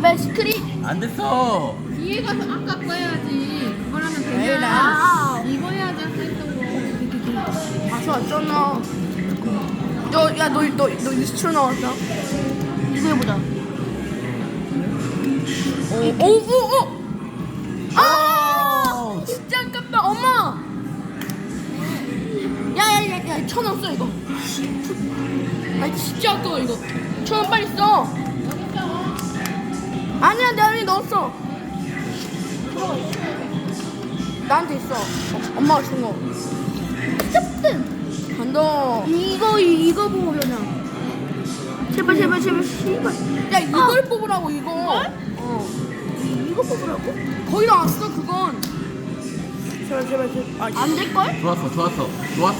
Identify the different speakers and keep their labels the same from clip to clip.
Speaker 1: 제발 스크린.
Speaker 2: 안 됐어.
Speaker 3: 뒤에 가서 아까 거 해야지. 그걸 하면 되냐? 이거 해야지 아까 했던 거.
Speaker 1: 다시 왔잖아. 너 20초 나왔다. 이거 해보자. 오. 아! 진짜 아깝다, 엄마. 야, 1,000원 써 이거. 아, 진짜 아까워 이거. 1,000원 빨리 써. 아니야, 내 안에 넣었어. 나한테 있어. 엄마가 준 거. 짭든. 간다. 이거 보고 그냥. 제발. 야, 이걸 뽑으라고 이거. 이거 뽑으라고? 거의 나왔어 그건. 제발. 안 될걸?
Speaker 2: 좋았어.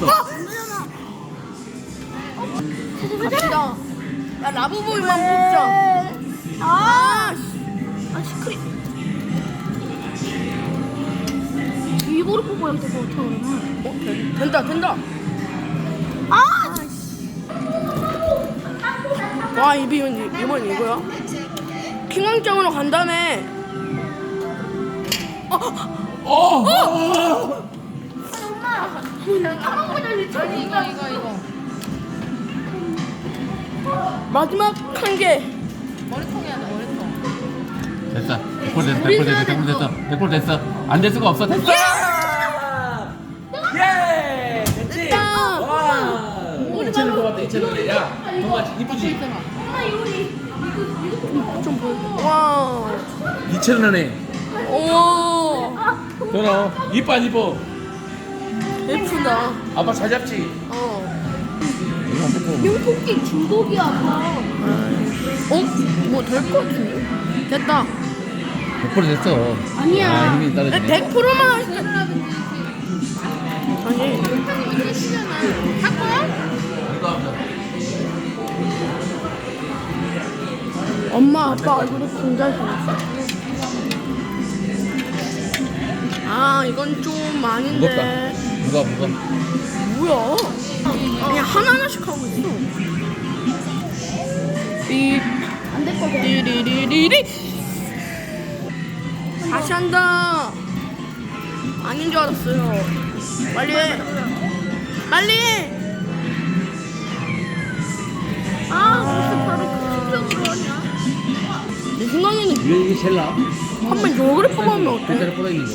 Speaker 1: 갑시다. 야, 라브보이만 뽑자. 시크릿. 이거를 뽑아야 될 것 같아 그러면. 된다. 와, 이번 이거야? 킹왕짱으로 간다며.
Speaker 3: 이거.
Speaker 1: 마지막 한 개.
Speaker 3: 머리통 해야 돼, 머리통.
Speaker 2: 됐어. 100% 됐어. 안 될 수가 없어. 됐어. 예! 됐지?
Speaker 1: 됐다.
Speaker 2: 와! 2,000원 더 왔다. 2,000원. 야, 정말 이쁘지?
Speaker 1: 와.
Speaker 2: 2,000원에.
Speaker 1: 오.
Speaker 2: 전화. 이뻐 안 이뻐?
Speaker 1: 예쁘다.
Speaker 2: 아빠 잘 잡지? 이거 안 뽑고.
Speaker 1: 토끼 중독이야, 아빠. 뭐 될 것 같은데? 됐다.
Speaker 2: 100% 됐어.
Speaker 1: 아니야.
Speaker 2: 아, 힘이 떨어지네.
Speaker 1: 100%만 하니까. 아니.
Speaker 3: 할 거야?
Speaker 1: 엄마, 아빠 얼굴이 굉장히 좋았어. 아, 이건 좀 아닌데.
Speaker 2: 무겁다.
Speaker 1: 뭐야? 그냥 하나씩 하고 있어. 안될 거야. 리리리리리. 다시 한다. 아닌 줄 알았어요. 빨리 해. 무슨 바로 극적으로 하냐? 내 생각에는
Speaker 2: 이게 제일 나아.
Speaker 1: 한번 요거를 뽑으면 어때?
Speaker 2: 글자를 뻗어 있는 거.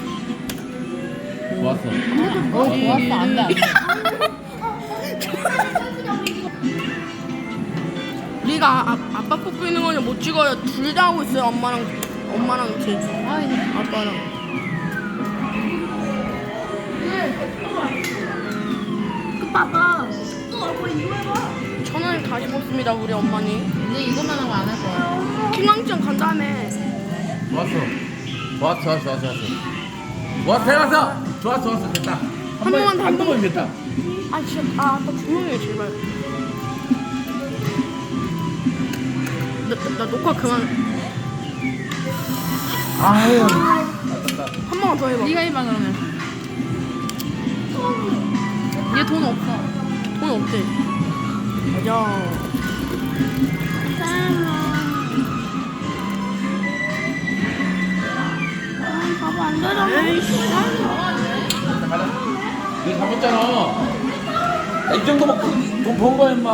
Speaker 2: 좋았어.
Speaker 3: 좋았어. 안 돼.
Speaker 1: 리가 아빠 뽑고 있는 거는 못 찍어요. 둘 다 하고 있어요. 엄마랑 제 아빠랑. 봐봐. 또 얼굴 이거 해봐. 1,000원을 다시 뽑습니다. 우리 어머니.
Speaker 3: 이제 이것만 하고 안 할 거야.
Speaker 1: 킹왕짱 간 다음에.
Speaker 2: 좋았어. 좋았어. 됐다.
Speaker 1: 한 번만 더, 한
Speaker 2: 번만 됐다.
Speaker 1: 진짜. 아빠 조용히 해 제발. 나 녹화 그만.
Speaker 2: 아유.
Speaker 1: 한 번만 더 해봐.
Speaker 3: 네가 해봐 그러면. 얘 돈 없어.
Speaker 1: 돈 없대. 맞아. 봐봐 안 되잖아.
Speaker 2: 가자. 이거 잡았잖아. 이 정도면 돈번 거야, 임마.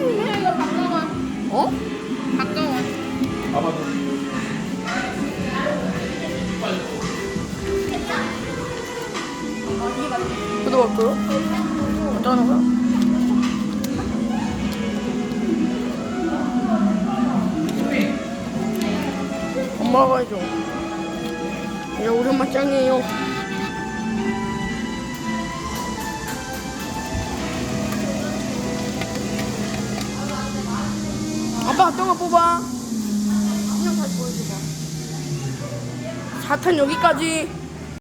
Speaker 1: 어?
Speaker 3: 가까워.
Speaker 2: 봐봐도.
Speaker 1: 구독할까요? 어쩌는 거야? 엄마가 해줘. 야, 우리 엄마 짱이에요. 아빠 어떤 거 뽑아? 그냥 다시 보여줘봐. 4탄 여기까지.